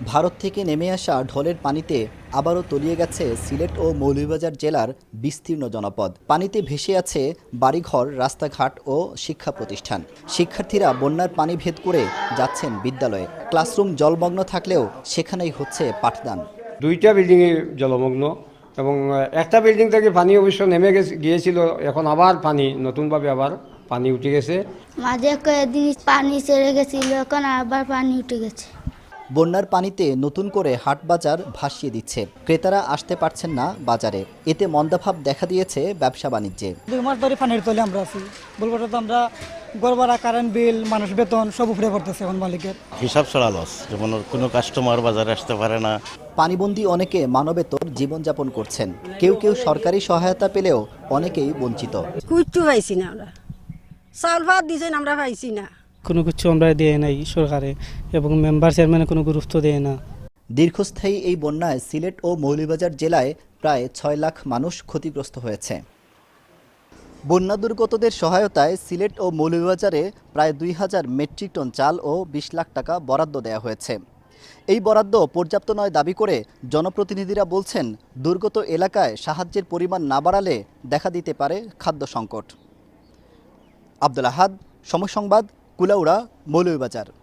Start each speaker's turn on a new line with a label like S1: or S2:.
S1: ভারত থেকে নেমে আসা ঢলের পানিতে আবারও তলিয়ে গেছে সিলেট ও মৌলভীবাজার জেলার বিস্তীর্ণ জনপদ। পানিতে ভেসে আছে বাড়িঘর, রাস্তাঘাট ও শিক্ষা প্রতিষ্ঠান। শিক্ষার্থীরা বন্যার পানি ভেদ করে যাচ্ছেন বিদ্যালয়ে। ক্লাসরুম জলমগ্ন থাকলেও সেখানেই হচ্ছে পাঠদান।
S2: দুইটা বিল্ডিংয়ে জলমগ্ন এবং একটা বিল্ডিং থেকে পানি অবশ্য নেমে গিয়েছিল, এখন আবার পানি নতুনভাবে আবার পানি উঠে গেছে।
S3: মাঝে কয়েকদিন পানি ছেড়ে গেছিল, এখন আবার পানি উঠে গেছে।
S1: বন্যার পানিতে নতুন করে হাট বাজার ভাসিয়ে দিচ্ছে। ক্রেতারা আসতে পারছেন না বাজারে। এতে মন্দাভাব দেখা দিয়েছে ব্যবসা বাণিজ্যে।
S4: 2 মাস ধরে পানির তলে আমরা আছি। বলবো তো আমরা ঘর ভাড়া, কারেন্ট বিল, মানুষ বেতন সব উপরে পড়তেছে এখন মালিকের।
S5: হিসাব ছাড়া লস, যেমন কোনো কাস্টমার বাজারে আসতে পারে না।
S1: পানিবন্দী অনেকে মানবেতর জীবনযাপন করছেন। কেউ কেউ সরকারি সহায়তা পেলেও অনেকেই বঞ্চিত।
S6: কিচ্ছু পাইছি না, আমরা চাউল ভাত দিয়েছেন আমরা পাইছি না,
S7: কোনো কিছু আমরা দেয় নাই সরকারে, এবং মেম্বার চেয়ারম্যানে কোনো গুরুত্ব দেয় না।
S1: দীর্ঘস্থায়ী এই বন্যায় সিলেট ও মৌলভীবাজার জেলায় প্রায় 6 লাখ মানুষ ক্ষতিগ্রস্ত হয়েছে। বন্যা দুর্গতদের সহায়তায় সিলেট ও মৌলভীবাজারে প্রায় 2000 মেট্রিক টন চাল ও 20 লাখ টাকা বরাদ্দ দেওয়া হয়েছে। এই বরাদ্দ পর্যাপ্ত নয় দাবি করে জনপ্রতিনিধিরা বলছেন, দুর্গত এলাকায় সাহায্যের পরিমাণ না বাড়ালে দেখা দিতে পারে খাদ্য সংকট। আব্দুল আহাদ, সময় সংবাদ, কুলাউড়া, মৌলভীবাজার।